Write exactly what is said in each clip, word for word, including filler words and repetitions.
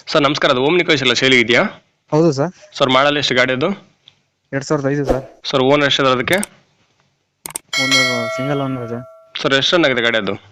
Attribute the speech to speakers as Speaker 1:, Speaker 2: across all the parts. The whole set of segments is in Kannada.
Speaker 1: ಸರ್ ನಮಸ್ಕಾರ, ಅದು ಓಮ್ನಿ ಕಳಿಸಿಲ್ಲ ಸೇಲಿ ಇದೆಯಾ?
Speaker 2: ಹೌದು ಸರ್.
Speaker 1: ಸರ್ ಮಾಡಲ್ ಎಷ್ಟು ಗಾಡಿ ಅದು?
Speaker 2: ಎರಡ್ ಸಾವಿರದ ಐದು ಸರ್.
Speaker 1: ಸರ್ ಓನರ್ ಎಷ್ಟು ಅದಕ್ಕೆ?
Speaker 2: ಒಂದು ಸಿಂಗಲ್ ಓನರ್ ಇದೆ.
Speaker 1: ಸರ್ ಎಷ್ಟು ರನ್ ಆಗಿದೆ ಗಾಡಿ ಅದು?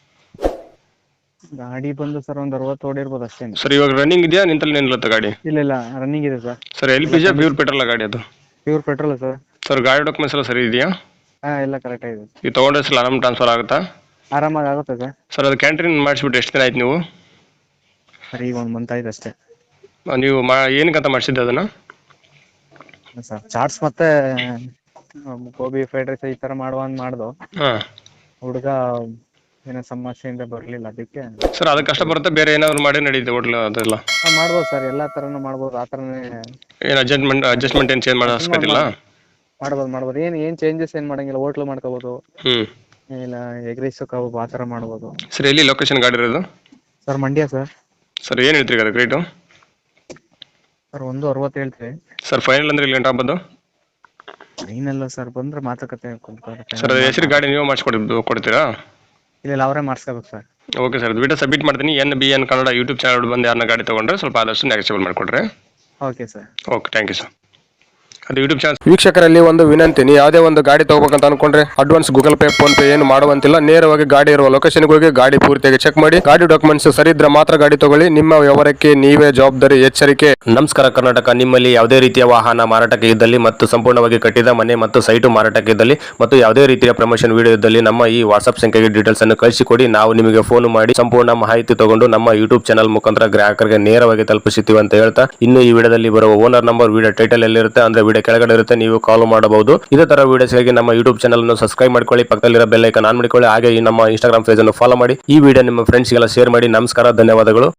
Speaker 2: ಗಾಡಿ ಬಂದು ಸರ್ ಒಂದು ಅರವತ್ತು ಓಡಿರ್ಬೋದು ಅಷ್ಟೇ.
Speaker 1: ಸರ್ ಇವಾಗ ರನ್ನಿಂಗ್ ಇದೆಯಾ ನಿಂತಲ್ಲಿ ನಿಲ್ಲುತ್ತೆ ಗಾಡಿ?
Speaker 2: ಇಲ್ಲ ಇಲ್ಲ ರನ್ನಿಂಗ್ ಇದೆ sir.
Speaker 1: Sir L P G pure petrol ಗಾಡಿ ಅದು?
Speaker 2: Pure petrol sir.
Speaker 1: ಸರ್ ಗಾಡಿ ಡಾಕ್ಯುಮೆಂಟ್ಸ್ ಎಲ್ಲ ಸರಿ ಇದೆಯಾ?
Speaker 2: ಹಾ ಎಲ್ಲ ಕರೆಕ್ಟ್ ಆಗಿದೆ.
Speaker 1: ಈ ತೊಗೊಂಡ್ರೆ ಸಲ ಆರಾಮ್ ಟ್ರಾನ್ಸ್ಫರ್ ಆಗುತ್ತಾ?
Speaker 2: ಆರಾಮಾಗಿ ಆಗುತ್ತೆ ಸರ್.
Speaker 1: ಸರ್ ಅದು ಕ್ಯಾಂಟೀನ್ ಮಾಡಿಸ್ಬಿಟ್ಟು ಎಷ್ಟು ದಿನ ಆಯ್ತು ನೀವು?
Speaker 2: ಸರ್ ಈಗ ಒಂದು ಮಂತ್ ಆಯ್ತು ಅಷ್ಟೇ.
Speaker 1: ನೀವು ಮಾ ಏನಕ್ಕಂತ ಮಾಡಿಸಿದ್ದೆ ಅದನ್ನು?
Speaker 2: ಸರ್ ಚಾಟ್ಸ್ ಮತ್ತೆ ಗೋಬಿ ಫ್ರೈಡ್ ರೈಸ್ ಈ ಥರ ಮಾಡುವಂತ ಮಾಡ್ದು.
Speaker 1: ಹಾಂ.
Speaker 2: ಹುಡುಗ ಏನೋ ಸಮಸ್ಯೆಯಿಂದ ಬರಲಿಲ್ಲ ಅದಕ್ಕೆ.
Speaker 1: ಸರ್ ಅದು ಕಷ್ಟ ಬರುತ್ತೆ, ಬೇರೆ ಏನಾದ್ರು ಮಾಡಿ ನಡೀತೆ ಹೋಟ್ಲ್ ಅದೆಲ್ಲ?
Speaker 2: ಹಾಂ ಮಾಡ್ಬೋದು ಸರ್, ಎಲ್ಲ ಥರನೂ ಮಾಡ್ಬೋದು. ಆ ಥರನೇ
Speaker 1: ಏನು ಅಡ್ಜಸ್ಟ್ಮೆಂಟ್ ಅಡ್ಜಸ್ಟ್ಮೆಂಟ್ ಏನು ಚೇಂಜ್ ಮಾಡೋ ಅವಶ್ಯಕತೆ ಇಲ್ಲ?
Speaker 2: ಮಾಡ್ಬೋದು ಮಾಡ್ಬೋದು ಏನು ಏನು ಚೇಂಜಸ್ ಏನು ಮಾಡಂಗಿಲ್ಲ. ಹೋಟ್ಲು ಮಾಡ್ಕೋಬೋದು,
Speaker 1: ಹ್ಞೂ
Speaker 2: ಇಲ್ಲ ಎಗ್ ರೈಸ್ ಕಬಾಬ್ ಆ ಥರ ಮಾಡ್ಬೋದು.
Speaker 1: ಸರ್ ಎಲ್ಲಿ ಲೊಕೇಶನ್ ಗಾಡಿ ಇರೋದು?
Speaker 2: Sir Mandya sir.
Speaker 1: ಸರ್ ಏನು ಹೇಳ್ತೀರಿ ಅದಕ್ಕೆ ರೇಟು?
Speaker 2: ಸರ್ ಒಂದು ಅರವತ್ತು ಹೇಳ್ತೀವಿ.
Speaker 1: ಸರ್ ಫೈನಲ್ ಅಂದ್ರೆ ಇಲ್ಲಿ ಗಂಟೆ ಆಗ್ಬೋದು?
Speaker 2: ಏನಿಲ್ಲ ಸರ್, ಬಂದ್ರೆ ಮಾತುಕತೆ ಕುಂತ್ಕೊಳ್ಳಿ.
Speaker 1: ಸರ್ ಹೆಸರು ಗಾಡಿ ನೀವು ಮಾಡಿಸ್ಕೊಡಿ ಕೊಡ್ತೀರಾ?
Speaker 2: ಇಲ್ಲ ಇಲ್ಲ ಅವರೇ ಮಾಡಿಸ್ಕೋಬೇಕು ಸರ್.
Speaker 1: ಓಕೆ ಸರ್, ವಿಡಿಯೋ ಸಬ್ಮಿಟ್ ಮಾಡ್ತೀನಿ. N B N Kannada YouTube channel ಬಂದು ಯಾರನ್ನ ಗಾಡಿ ತೊಗೊಂಡ್ರೆ ಸ್ವಲ್ಪ ಆದಷ್ಟು ನೆಗೆಸಿಬಲ್ ಮಾಡಿಕೊಡ್ರಿ.
Speaker 2: Okay sir.
Speaker 1: Okay, thank you sir. ಅದು ಯೂಟ್ಯೂಬ್ ಚಾನಲ್ ವೀಕ್ಷಕರಲ್ಲಿ ಒಂದು ವಿನಂತಿ, ನೀವು ಯಾವುದೇ ಒಂದು ಗಾಡಿ ತಗೋಬೇಕಂತ ಅನ್ಕೊಂಡ್ರೆ advance Google Pay PhonePe ಏನು ಮಾಡುವಂತಿಲ್ಲ. ನೇರವಾಗಿ ಗಾಡಿ ಇರುವ ಲೊಕೇಶನ್ಗೆ ಹೋಗಿ ಗಾಡಿ ಪೂರ್ತಿಯಾಗಿ ಚೆಕ್ ಮಾಡಿ, ಗಾಡಿ ಡಾಕ್ಯುಮೆಂಟ್ಸ್ ಸರಿ ಇದ್ರೆ ಮಾತ್ರ ಗಾಡಿ ತಗೊಳ್ಳಿ. ನಿಮ್ಮ ವ್ಯವಹಾರಕ್ಕೆ ನೀವೇ ಜವಾಬ್ದಾರಿ. ಎಚ್ಚರಿಕೆ. ನಮಸ್ಕಾರ ಕರ್ನಾಟಕ. ನಿಮ್ಮಲ್ಲಿ ಯಾವುದೇ ರೀತಿಯ ವಾಹನ ಮಾರಾಟಕ್ಕೆ ಇದ್ದಲ್ಲಿ ಮತ್ತು ಸಂಪೂರ್ಣವಾಗಿ ಕಟ್ಟಿದ ಮನೆ ಮತ್ತು ಸೈಟು ಮಾರಾಟಕ್ಕೆ ಇದ್ದಲ್ಲಿ ಮತ್ತು ಯಾವುದೇ ರೀತಿಯ ಪ್ರಮೋಷನ್ ವಿಡಿಯೋ ಇದ್ದಲ್ಲಿ ನಮ್ಮ ಈ ವಾಟ್ಸ್ಆಪ್ ಸಂಖ್ಯೆಗೆ ಡೀಟೇಲ್ಸ್ ಅನ್ನು ಕಳಿಸಿಕೊಡಿ. ನಾವು ನಿಮಗೆ ಫೋನ್ ಮಾಡಿ ಸಂಪೂರ್ಣ ಮಾಹಿತಿ ತಗೊಂಡು ನಮ್ಮ ಯೂಟ್ಯೂಬ್ ಚಾನಲ್ ಮುಖಾಂತರ ಗ್ರಾಹಕರಿಗೆ ನೇರವಾಗಿ ತಲುಪಿಸುತ್ತೀವಿ ಅಂತ ಹೇಳ್ತಾ, ಇನ್ನು ಈ ವಿಡಿಯೋದಲ್ಲಿ ಬರುವ ಓನರ್ ನಂಬರ್ ವಿಡಿಯೋ ಟೈಟಲ್ ಎಲ್ಲಿರುತ್ತೆ ಅಂದ್ರೆ ವಿಡಿಯೋ ಕೆಳಗಡೆ ಇರುತ್ತೆ, ನೀವು ಕಾಲ್ ಮಾಡಬಹುದು. ಇದೇ ತರ ವಿಡಿಯೋಸ್ಗಾಗಿ ನಮ್ಮ ಯೂಟ್ಯೂಬ್ ಚಾನಲ್ ಅನ್ನು ಸಬ್ಸ್ಕ್ರೈಬ್ ಮಾಡ್ಕೊಳ್ಳಿ, ಪಕ್ಕದಲ್ಲಿರೋ ಬೆಲ್ ಐಕಾನ್ ಆನ್ ಮಾಡಿಕೊಳ್ಳಿ. ಹಾಗೆ ಈ ನಮ್ಮ ಇನ್ಸ್ಟಾಗ್ರಾಮ್ ಪೇಜ್ ಅನ್ನು ಫಾಲೋ ಮಾಡಿ. ಈ ವಿಡಿಯೋ ನಿಮ್ಮ ಫ್ರೆಂಡ್ಸ್ಗೆಲ್ಲ ಶೇರ್ ಮಾಡಿ. ನಮಸ್ಕಾರ, ಧನ್ಯವಾದಗಳು.